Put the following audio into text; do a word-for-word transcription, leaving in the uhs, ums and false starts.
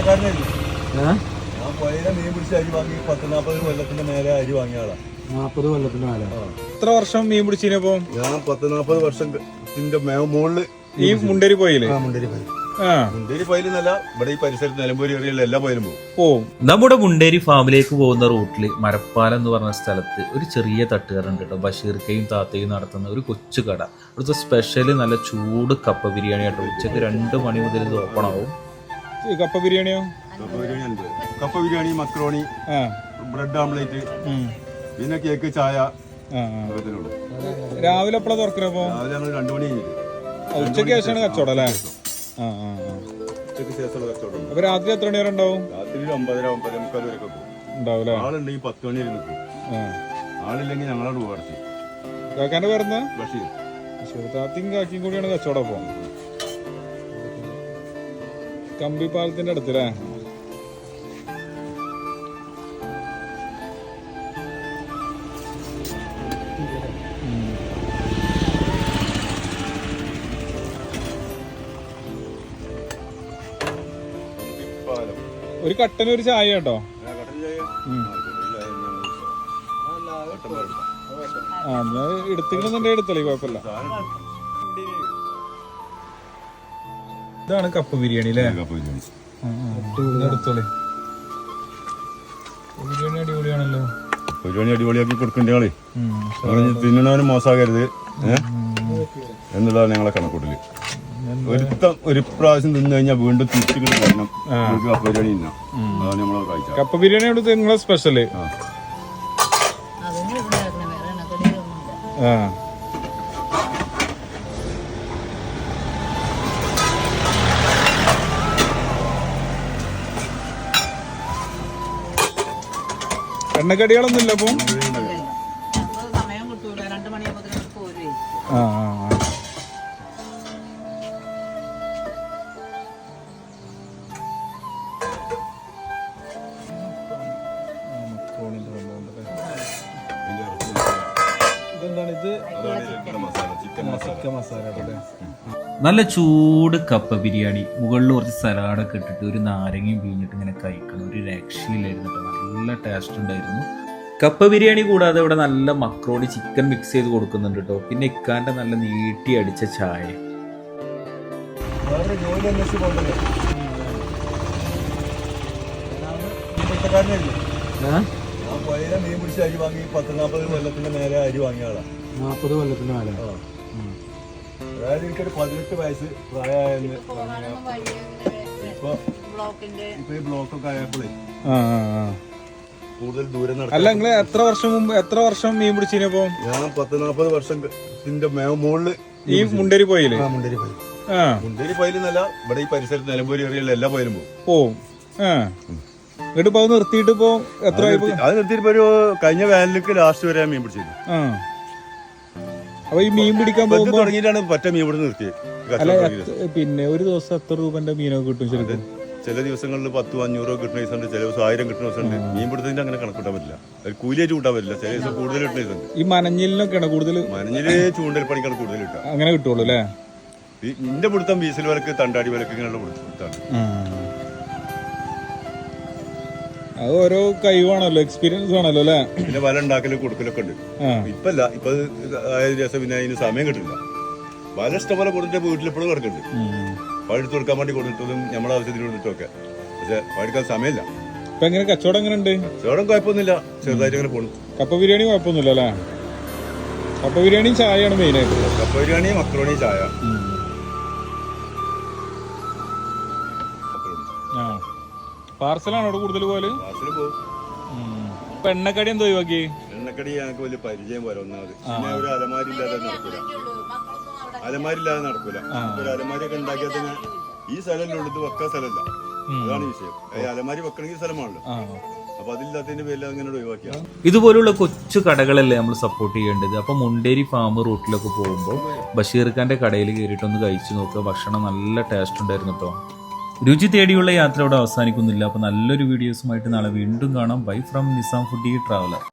ഞാൻ പുഴയിലെ മീൻ പിടിച്ച് അരി വാങ്ങി പത്ത് നാപ്പത് കൊല്ലത്തിന്റെ മേലെ അരി വാങ്ങിയ ആളാ. നാപ്പത് കൊല്ലത്തിന്റെ മേലെ. എത്ര വർഷം മീൻ പിടിച്ചപ്പോ? ഞാൻ പത്ത് നാപ്പത് വർഷത്തിന്റെ മുകളില് ഈ മുണ്ടേരി പോയില്ലേ? മുണ്ടേരി പോയി. മുണ്ടേരി പോയില്ലെന്നല്ല, ഇവിടെ ഈ പരിസരത്ത് നിലമ്പൂരി ഏരിയയിലെ എല്ലാ പോയാലും പോകും. നമ്മുടെ മുണ്ടേരി ഫാമിലേക്ക് പോകുന്ന റൂട്ടിൽ മരപ്പാലം എന്ന് പറഞ്ഞ സ്ഥലത്ത് ഒരു ചെറിയ തട്ടുകറുണ്ട് കേട്ടോ. ബഷീർക്കയും താത്തയും നടത്തുന്ന ഒരു കൊച്ചു കട. അവിടുത്തെ സ്പെഷ്യൽ നല്ല ചൂട് കപ്പ ബിരിയാണി കേട്ടോ. ഉച്ചക്ക് രണ്ട് മണി മുതൽ ഇത് ഓപ്പൺ ആവും. കപ്പ ബിരിയാണിയോ? കപ്പ ബിരിയാണി ഉണ്ട്. കപ്പ ബിരിയാണി, മക്രോണി, ബ്രെഡ് ആംപ്ലേറ്റ്, പിന്നെ കേക്ക്, ചായ. രാവിലെ എപ്പോഴാ തുറക്കുന്നപ്പോ? രാവിലെ ഞങ്ങൾ രണ്ടു മണി കഴിഞ്ഞിട്ട്. ഉച്ചക്ക് ശേഷമാണ് കച്ചവടം അല്ലേ? ഉച്ചക്ക് ശേഷമുള്ള കച്ചവടം. അപ്പൊ രാത്രി എത്ര മണി വരെ ഉണ്ടാവും? രാത്രി ഒമ്പതര ഒമ്പതര മുക്കാൽ വരെ പോകും. ഉണ്ടാവും. ആളുണ്ടെങ്കിൽ പത്ത് മണി വരെ നിൽക്കും. ആളില്ലെങ്കിൽ ഞങ്ങളോട് പോകർത്തി. കാക്കാന്റെ പേരെന്താ? ബഷീർ. ബഷീർ താത്തയും കാക്കിയും കൂടിയാണ് കച്ചവടം. അപ്പൊ കമ്പി പാലത്തിന്റെ അടുത്തല്ലേ? ഒരു കട്ടന് ഒരു ചായ കേട്ടോ. ആ ഞാൻ എടുത്തിട്ടുണ്ടെന്നുണ്ടെ എടുത്തല്ലേ, കുഴപ്പമില്ല. ഇതാണ് കപ്പ ബിരിയാണി അല്ലേ? എടുത്തോളേ. ബിരിയാണി അടിപൊളിയാണല്ലോ. ബിരിയാണി അടിപൊളിയാക്കി കൊടുക്കേണ്ട ആളെ തിന്നണവനും മോശമാകരുത് എന്നുള്ളതാണ് ഞങ്ങളെ കണക്കൂട്ടല്. ഒരുത്തം ഒരു പ്രാവശ്യം തിന്നു കഴിഞ്ഞാൽ വീണ്ടും തിരിച്ചു വരണം. കപ്പ ബിരിയാണി തിന്നാം. അതാണ് നമ്മളെ കാഴ്ച. കപ്പ ബിരിയാണി അവിടുത്തെ നിങ്ങളെ സ്പെഷ്യല്. ആ എണ്ണക്കടികളൊന്നും ഇല്ല അപ്പൊ? ആ ആ നല്ല ചൂട് കപ്പ ബിരിയാണി, മുകളിൽ കുറച്ച് സലാഡൊക്കെ ഇട്ടിട്ട് ഒരു നാരങ്ങയും പിഴിഞ്ഞിട്ട് ഇങ്ങനെ കഴിക്കണം. ഒരു രക്ഷയിലായിരുന്നു കേട്ടോ. നല്ല ടേസ്റ്റ് ഉണ്ടായിരുന്നു. കപ്പ ബിരിയാണി കൂടാതെ ഇവിടെ നല്ല മക്രോണി ചിക്കൻ മിക്സ് ചെയ്ത് കൊടുക്കുന്നുണ്ട് കേട്ടോ. പിന്നെ ഇക്കാന്റെ നല്ല നീട്ടി അടിച്ച ചായ. മീൻ പിടിച്ച് അരി വാങ്ങി പത്ത് നാപ്പത് കൊല്ലത്തിന്റെ മേലെ അരി വാങ്ങിയ ആളാ. നാപ്പത് കൊല്ലത്തിന്റെ മേലെ. അതായത് എനിക്കൊരു പതിനെട്ട് വയസ്സ് പ്രായമായെന്ന് ഇപ്പൊ ഇപ്പൊ ഈ ബ്ലോക്കൊക്കെ ആയപ്പോഴേ കൂടുതൽ ദൂരം നടക്കും. അല്ല നിങ്ങള് എത്ര വർഷം മുമ്പ് എത്ര വർഷം മീൻ പിടിച്ചപ്പോ? ഞാൻ പത്ത് നാപ്പത് വർഷത്തിന്റെ മുകളില് ഈ മുണ്ടേരി പോയില്ലേ? മുണ്ടേരി പോയി. മുണ്ടേരി പോയില്ലെന്നല്ല, ഇവിടെ ഈ പരിസരത്ത് നിലമ്പൂരി ഏരിയയിലെ എല്ലാ പോയാലും പോകും. എന്നിട്ട് ഇപ്പൊ നിർത്തിയിട്ട് ഇപ്പൊ എത്ര? അത് നിർത്തിയിട്ട് ഒരു കഴിഞ്ഞ വേനലിക്ക് ലാസ്റ്റ് വരെ മീൻ പിടിച്ചിരുന്നു. അപ്പൊ ഈ മീൻ പിടിക്കാൻ പോകുമ്പോ തുടങ്ങിയിട്ടാണ് പറ്റ മീൻ ഇവിടെ നിർത്തിയത്. പിന്നെ ഒരു ദിവസം എത്ര രൂപന്റെ മീനൊക്കെ കിട്ടും ശരിക്കും? ചില ദിവസങ്ങളിൽ പത്തും അഞ്ഞൂറോ കിട്ടുന്ന ദിവസമുണ്ട്, ചില ദിവസം ആയിരം കിട്ടുന്ന ദിവസമുണ്ട്. മീൻ പിടുത്തതിന്റെ അങ്ങനെ കണക്കൂട്ടാൻ പറ്റില്ല, കൂലിയായിട്ട് കൂട്ടാൻ പറ്റില്ല. ചില ദിവസം കൂടുതൽ കിട്ടുന്ന ദിവസമുണ്ട്. ഈ മനഞ്ഞിലിനൊക്കെയാണ് കൂടുതൽ. മനഞ്ഞില് ചൂണ്ടൽ പണിക്കാണ് കൂടുതൽ കിട്ടുക. അങ്ങനെ കിട്ടുള്ളൂ അല്ലേ? നിന്റെ പിടുത്തം വീസൽ വിലക്ക്, തണ്ടാടി വിലക്ക് ഇങ്ങനെയുള്ള പിടുത്താണ്. അത് ഓരോ കഴിവാണല്ലോ, എക്സ്പീരിയൻസ് ആണല്ലോ അല്ലേ? പിന്നെ വല ഉണ്ടാക്കലും കൊടുക്കലൊക്കെ ഉണ്ട്. ഇപ്പല്ല, ഇപ്പൊ ആയ ദിവസം പിന്നെ അതിന് സമയം കിട്ടില്ല. വല ഇഷ്ടംപോലെ കൊടുത്തിട്ട് വീട്ടിലെപ്പോഴും കിടക്കുന്നുണ്ട്. പഴുത്ത് കൊടുക്കാൻ വേണ്ടി കൊടുത്തിട്ടും നമ്മളെ ആവശ്യത്തിന് കൊടുത്തിട്ടൊക്കെ. പക്ഷെ പഴുക്കാൻ സമയമില്ല. ഇപ്പൊ എങ്ങനെ കച്ചവടം എങ്ങനെ ഉണ്ട്? കച്ചവടം കുഴപ്പമൊന്നുമില്ല, ചെറുതായിട്ട് അങ്ങനെ പോണു. കപ്പ ബിരിയാണി കുഴപ്പമൊന്നുമില്ല അല്ലേ? കപ്പ ബിരിയാണി ചായയാണ് മെയിൻ ആയിട്ട്. കപ്പ ബിരിയാണി, മക്രോണി, ചായ. പാർസലാണ് അവിടെ കൂടുതൽ പോലെ. പാർസല് പോകും. ഇപ്പൊ എണ്ണക്കടി എന്തോ ഒഴിവാക്കി? എണ്ണക്കടി ഞങ്ങൾക്ക് വലിയ പരിചയം പോലെ ഒന്നാമത്. പിന്നെ ഒരു അലമാരി ഇല്ലാതെ നടക്കൂല. അലമാരി ഇല്ലാതെ നടക്കൂല. ഒരു അലമാരി ഒക്കെ ഉണ്ടാക്കിയാൽ തന്നെ ഈ സ്ഥലമല്ലേ ഇത് വെക്കാൻ സ്ഥലമല്ല. അതാണ് വിഷയം. അലമാരി വെക്കണമെങ്കിൽ സ്ഥലമാണല്ലോ. അപ്പൊ അതില്ലാത്തതിന്റെ പേരിൽ അങ്ങനെ ഒഴിവാക്കിയ. ഇതുപോലുള്ള കൊച്ചു കടകളല്ലേ നമ്മൾ സപ്പോർട്ട് ചെയ്യേണ്ടത്. അപ്പൊ മുണ്ടേരി ഫാം റൂട്ടിലൊക്കെ പോകുമ്പോൾ ബഷീർ ഖാന്റെ കടയിൽ കയറിയിട്ടൊന്ന് കഴിച്ചു നോക്കുക. ഭക്ഷണം നല്ല ടേസ്റ്റ് ഉണ്ടായിരുന്നു കേട്ടോ. രുചി തേടിയുള്ള യാത്ര ഇവിടെ അവസാനിക്കുന്നില്ല. അപ്പോൾ നല്ലൊരു വീഡിയോസുമായിട്ട് നാളെ വീണ്ടും കാണാം. Bye from Nizam foodie traveller.